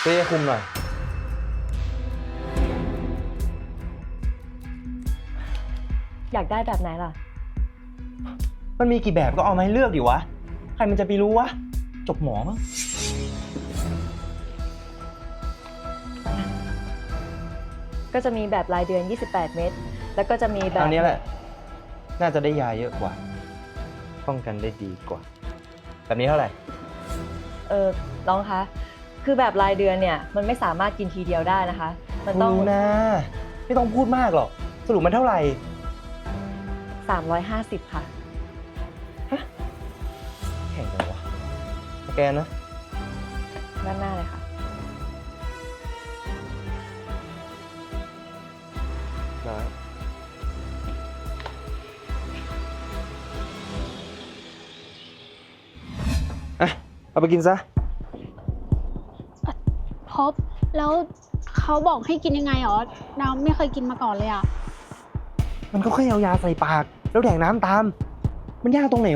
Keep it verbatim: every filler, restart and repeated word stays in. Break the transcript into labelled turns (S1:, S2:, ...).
S1: เรียกคุมหน่อย
S2: อยากได้แบบไหนล่ะ
S1: มันมีกี่แบบก็เอามาให้เลือกดิวะใครมันจะไปรู้วะจบหมอมั้ง
S2: ก็จะมีแบบรายเดือนยี่สิบแปดเม็ดแล้วก็จะมีแบบ
S1: อันนี้แหละน่าจะได้ยาเยอะกว่าป้องกันได้ดีกว่าแบบนี้เท่าไหร่
S2: เออน้องคะคือแบบรายเดือนเนี่ยมันไม่สามารถกินทีเดียวได้นะคะมันต้อง
S1: รู้นะไม่ต้องพูดมากหรอกสรุปมันเท่าไหร่
S2: สามร้อยห้าสิบค่ะ
S1: แข่งกันวะสแกนนะ
S2: ด้านหน้าเลยค่ะ
S1: ได้อ่ะเอาไปกินซะ
S3: พบแล้วเขาบอกให้กินยังไงหรอดาวไม่เคยกินมาก่อนเลยอ่ะ
S1: มันก็แค่เอายาใส่ปากแล้วแดกน้ำตามมันยากตรงไหน